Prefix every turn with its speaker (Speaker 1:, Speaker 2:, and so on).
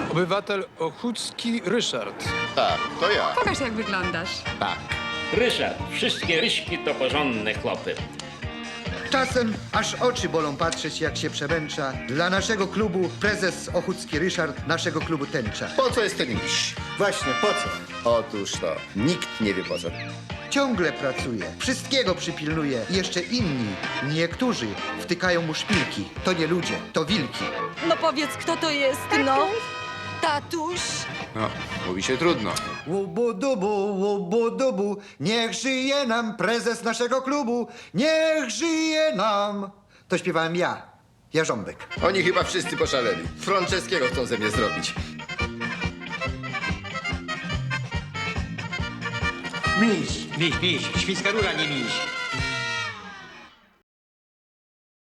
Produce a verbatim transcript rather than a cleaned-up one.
Speaker 1: Obywatel Ochódzki Ryszard.
Speaker 2: Tak, to ja.
Speaker 3: Pokaż, jak wyglądasz.
Speaker 2: Tak.
Speaker 4: Ryszard, wszystkie ryśki to porządne chłopy.
Speaker 5: Czasem aż oczy bolą patrzeć, jak się przemęcza. Dla naszego klubu prezes Ochódzki Ryszard, naszego klubu tęcza.
Speaker 2: Po co jest ten miś?
Speaker 5: Właśnie, po co?
Speaker 2: Otóż to, nikt nie wie po co.
Speaker 5: Ciągle pracuje, wszystkiego przypilnuje. Jeszcze inni, niektórzy, wtykają mu szpilki. To nie ludzie, to wilki.
Speaker 6: No powiedz, kto to jest, no? Tatuś?
Speaker 7: No, mówi się trudno.
Speaker 5: Łubu-dubu, łubu-dubu, niech żyje nam prezes naszego klubu, niech żyje nam. To śpiewałem ja, Jarząbek.
Speaker 2: Oni chyba wszyscy poszaleli. Franceskiego chcą ze mnie zrobić.
Speaker 8: Miś, miś, miś, świńska rura, nie miś.